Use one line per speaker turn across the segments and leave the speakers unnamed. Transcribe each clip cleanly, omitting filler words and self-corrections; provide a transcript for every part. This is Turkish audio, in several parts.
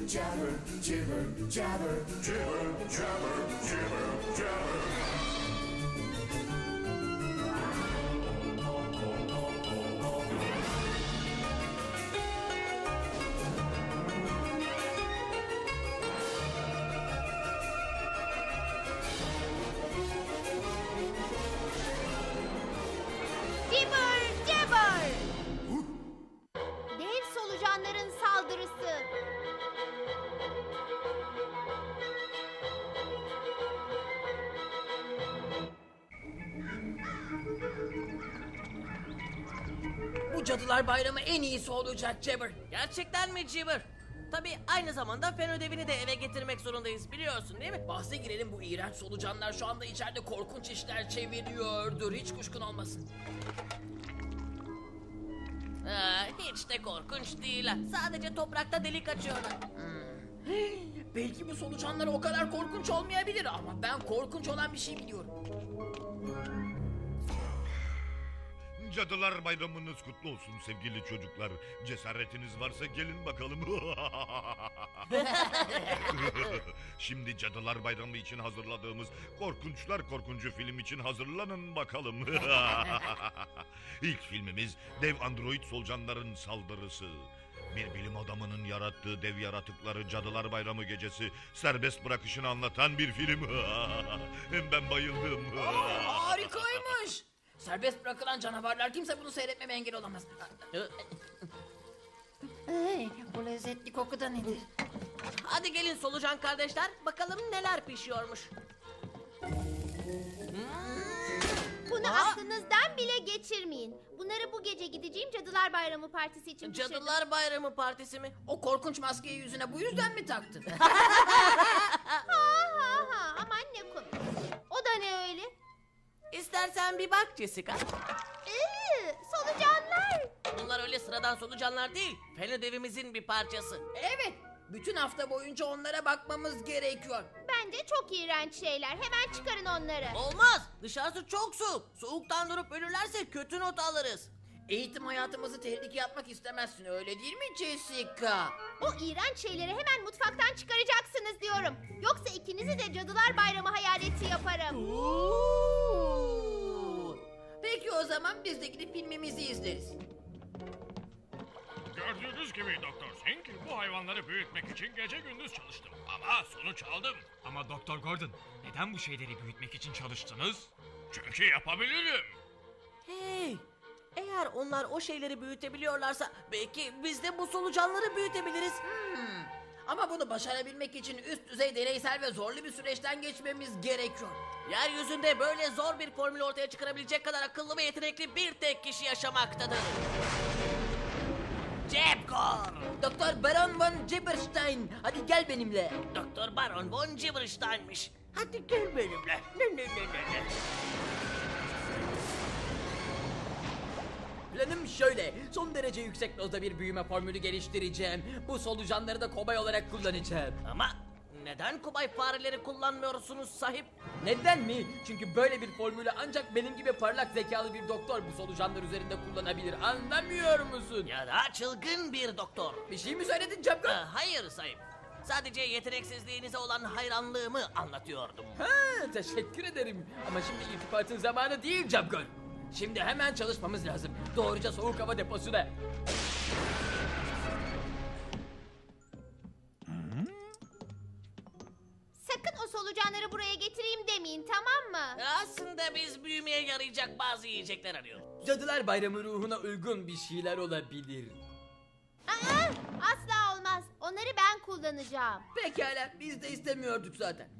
jabber, jibber, jabber, jibber, jabber, jibber, jabber.
Jibber jabber. Dev solucanların saldırısı.
Bu Cadılar Bayramı en iyisi olacak Jabber.
Gerçekten mi Jibber? Tabii aynı zamanda fen ödevini de eve getirmek zorundayız biliyorsun değil mi?
Bahse girelim, bu iğrenç solucanlar şu anda içeride korkunç işler çeviriyordur. Hiç kuşkun olmasın.
Hiç de korkunç değiller. Sadece toprakta delik açıyorlar.
Belki bu solucanlar o kadar korkunç olmayabilir ama ben korkunç olan bir şey biliyorum.
Cadılar Bayramınız kutlu olsun sevgili çocuklar. Cesaretiniz varsa gelin bakalım. Şimdi Cadılar Bayramı için hazırladığımız Korkunçlar Korkuncu film için hazırlanın bakalım. İlk filmimiz dev android solucanların saldırısı. Bir bilim adamının yarattığı dev yaratıkları Cadılar Bayramı gecesi serbest bırakışını anlatan bir film. Ben bayıldım.
Harikaymış. Serbest bırakılan canavarlar, kimse bunu seyretmeme engel olamaz. Hey, bu lezzetli koku da nedir?
Hadi gelin solucan kardeşler bakalım neler pişiyormuş.
Bunu aklınızdan bile geçirmeyin. Bunları bu gece gideceğim Cadılar Bayramı partisi için pişirdim.
Cadılar Bayramı partisi mi?
O korkunç maskeyi yüzüne bu yüzden mi taktın?
Ha aman ne komik. O da ne öyle?
İstersen bir bak Jessica.
Solucanlar.
Bunlar öyle sıradan solucanlar değil. Fen ödevimizin bir parçası.
Evet, bütün hafta boyunca onlara bakmamız gerekiyor.
Bence çok iğrenç şeyler. Hemen çıkarın onları.
Olmaz. Dışarısı çok soğuk. Soğuktan durup ölürlerse kötü not alırız.
Eğitim hayatımızı tehlikeye atmak istemezsin, öyle değil mi Jessica?
O iğrenç şeyleri hemen mutfaktan çıkaracaksınız diyorum. Yoksa ikinizi de Cadılar Bayramı hayaleti yaparım.
Peki o zaman biz de gidip filmimizi izleriz.
Gördüğünüz gibi Doktor Sink bu hayvanları büyütmek için gece gündüz çalıştım. Ama sonuç aldım.
Ama Doktor Gordon, neden bu şeyleri büyütmek için çalıştınız?
Çünkü yapabilirim.
Hey, eğer onlar o şeyleri büyütebiliyorlarsa belki biz de bu solucanları büyütebiliriz.
Ama bunu başarabilmek için üst düzey deneysel ve zorlu bir süreçten geçmemiz gerekiyor.
Yeryüzünde böyle zor bir formülü ortaya çıkarabilecek kadar akıllı ve yetenekli bir tek kişi yaşamaktadır. Jabgor!
Doktor Baron von Gibberstein, hadi gel benimle.
Doktor Baron von Gibberstein'miş. Hadi gel benimle. Ne.
Planım şöyle, son derece yüksek dozda bir büyüme formülü geliştireceğim. Bu solucanları da kobay olarak kullanacağım.
Ama neden kubay fareleri kullanmıyorsunuz sahip?
Neden mi? Çünkü böyle bir formülü ancak benim gibi parlak zekalı bir doktor bu solucanlar üzerinde kullanabilir. Anlamıyor musun?
Ya da çılgın bir doktor.
Bir şey mi söyledin Capcom?
Hayır sahip. Sadece yeteneksizliğinize olan hayranlığımı anlatıyordum.
Ha, teşekkür ederim. Ama şimdi irtibatın zamanı değil Capcom. Şimdi hemen çalışmamız lazım. Doğruca soğuk hava deposuna.
Sakın o solucanları buraya getireyim demeyin, tamam mı?
Aslında biz büyümeye yarayacak bazı yiyecekler arıyoruz.
Cadılar Bayramı ruhuna uygun bir şeyler olabilir.
Aa, asla olmaz. Onları ben kullanacağım.
Pekala, biz de istemiyorduk zaten.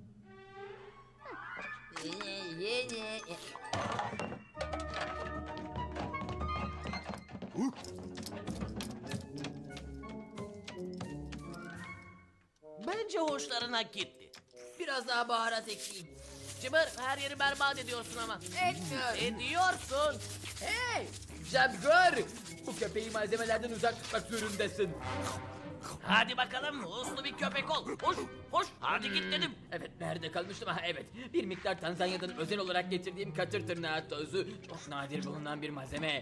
Bence hoşlarına gitti.
Biraz daha baharat ekleyeyim.
Cıbır her yeri berbat ediyorsun ama.
Etmiyorum.
Ediyorsun.
Hey! Jabgor! Bu köpeği malzemelerden uzak tutmak zorundasın.
Hadi bakalım uslu bir köpek ol. Hoş hoş hadi git dedim.
Evet, nerede kalmıştım? Ha, evet. Bir miktar Tanzanya'dan özel olarak getirdiğim katır tırnağı tozu. Çok nadir bulunan bir malzeme.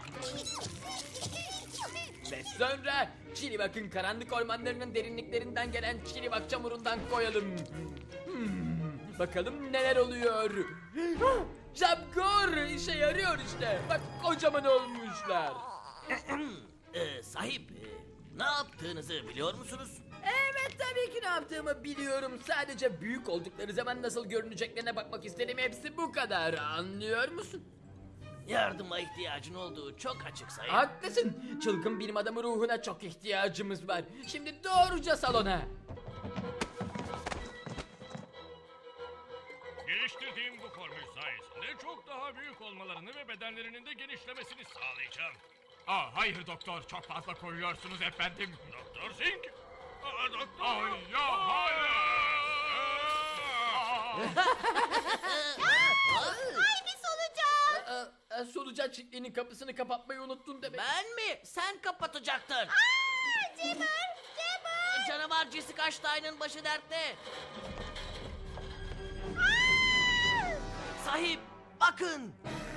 Ve sonra Çilivak'ın karanlık ormanlarının derinliklerinden gelen Çilivak çamurundan koyalım. Bakalım neler oluyor. Japgor işe yarıyor işte. Bak kocaman olmuşlar.
Sahip ne yaptığınızı biliyor musunuz?
Evet, tabii ki ne yaptığımı biliyorum. Sadece büyük oldukları zaman nasıl görüneceklerine bakmak istedim. Hepsi bu kadar. Anlıyor musun?
Yardıma ihtiyacın olduğu çok açık sahip.
Haklısın. Çılgın bilim adamı ruhuna çok ihtiyacımız var. Şimdi doğruca salona.
Geliştirdiğim bu formül sayesinde çok daha büyük olmalarını ve bedenlerinin de genişlemesini sağlayacağım.
Hayır doktor, çok fazla koyuyorsunuz efendim.
Doktor Sink. Doktor.
Ay ya, hayır.
Ay bir solucan.
Solucan çiftliğinin kapısını kapatmayı unuttun demek.
Ben mi? Sen kapatacaktın.
Cemur.
Canavar Jessica Stein'ın başı dertte. Sahip bakın.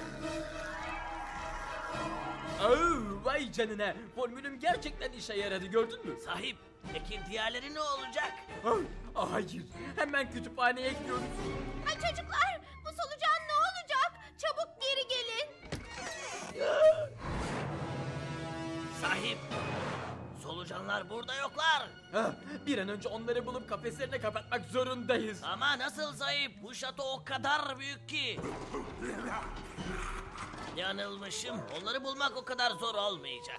Vay canına. Formülüm gerçekten işe yaradı, gördün mü?
Sahip peki diğerleri ne olacak?
Hayır. Hemen kütüphaneye gidiyoruz.
Ay çocuklar, bu solucan ne olacak? Çabuk geri gelin.
Sahip solucanlar burada yoklar.
Bir an önce onları bulup kafeslerine kapatmak zorundayız.
Ama nasıl sahip? Bu şato o kadar büyük ki. Yanılmışım. Onları bulmak o kadar zor olmayacak.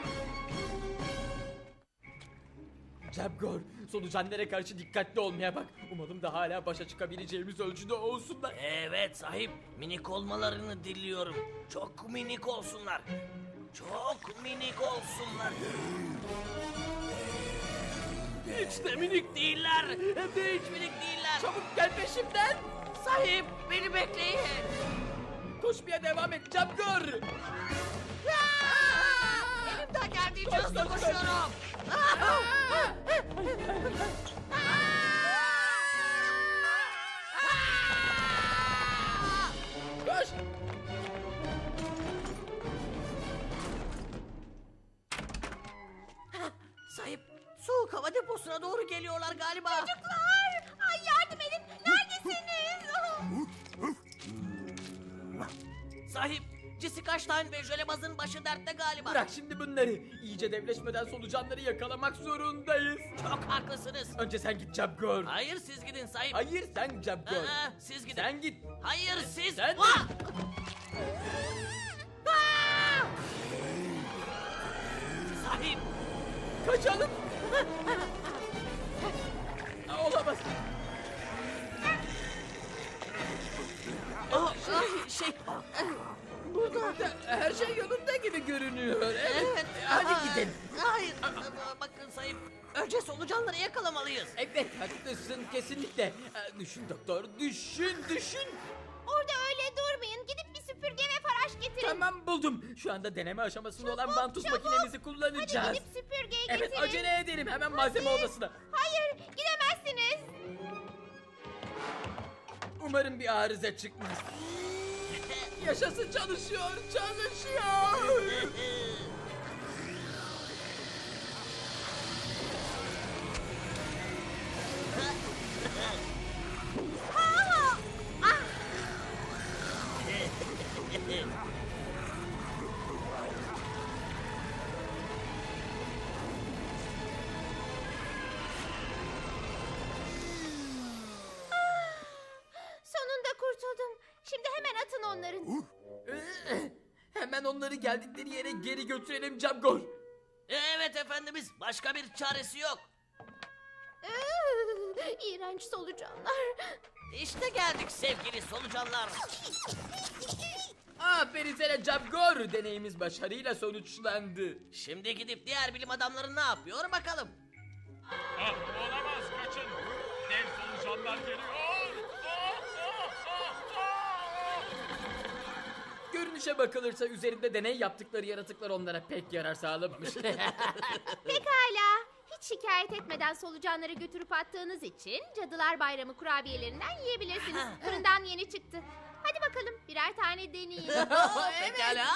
Japgor, solucanlara karşı dikkatli olmaya bak. Umalım da hala başa çıkabileceğimiz ölçüde olsunlar.
Evet sahip. Minik olmalarını diliyorum. Çok minik olsunlar. Çok minik olsunlar. Hiç de minik değiller. Hem de hiç minik değiller.
Çabuk gel peşimden.
Sahip beni bekleyin.
Koşmaya devam et Japgor.
Elimden geldiğince hızlı
koş.
koşuyorum.
Koş.
Sahip soğuk hava deposuna doğru geliyorlar galiba.
Çocuklar, ay yardım edin. Neredesiniz?
Sahip Jessica Stein ve Jölebaz'ın başı dertte galiba.
Bırak şimdi bunları. İyice devleşmeden solucanları yakalamak zorundayız.
Çok haklısınız.
Önce sen git Japgor.
Hayır siz gidin sahip.
Hayır sen Japgor.
Siz gidin.
Sen git.
Hayır siz.
Sen-
Vah! Sahip.
Kaçalım. Olamaz. Burada her şey yolunda gibi görünüyor. Evet. Hadi gidelim.
Hayır. Bakın sahip. Önce solucanları yakalamalıyız.
Evet, haklısın kesinlikle. Düşün doktor, düşün.
Orada öyle durmayın. Gidip bir süpürge ve faraş getirin.
Tamam, buldum. Şu anda deneme aşamasında olan
Çabuk,
vantuz
çabuk.
makinemizi kullanacağız.
Hadi gidip süpürgeyi
Evet,
getirin.
acele edelim. Hemen malzeme
Hadi.
odasına.
Hayır, gidemezsiniz.
Umarım bir arıza çıkmaz. Yaşasın, çalışıyor.
Sonunda kurtuldum. Şimdi hemen atın onların.
Hemen onları geldikleri yere geri götürelim Japgor.
Evet efendimiz. Başka bir çaresi yok.
İğrenç solucanlar.
İşte geldik sevgili solucanlar.
Aferin sana Japgor. Deneyimiz başarıyla sonuçlandı.
Şimdi gidip diğer bilim adamları ne yapıyor bakalım.
Olamaz, kaçın. Dev solucanlar geliyor.
Görünüşe bakılırsa üzerinde deney yaptıkları yaratıklar onlara pek yarar sağlamamış.
Pekala. Hiç hiç şikayet etmeden solucanları götürüp attığınız için Cadılar Bayramı kurabiyelerinden yiyebilirsiniz. Fırından yeni çıktı. Hadi bakalım birer tane deneyin.
Pekala.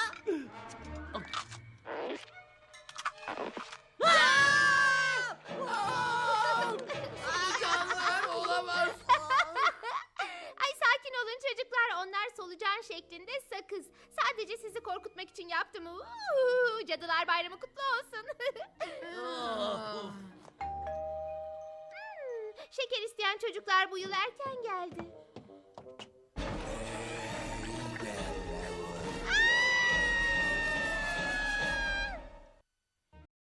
Olamaz.
Ay sakin olun çocuklar. Onlar solucan şeklinde sakız. Sadece sizi korkutmak için yaptım. Cadılar Bayramı kutlu olsun. Şeker isteyen çocuklar bu yıl erken geldi.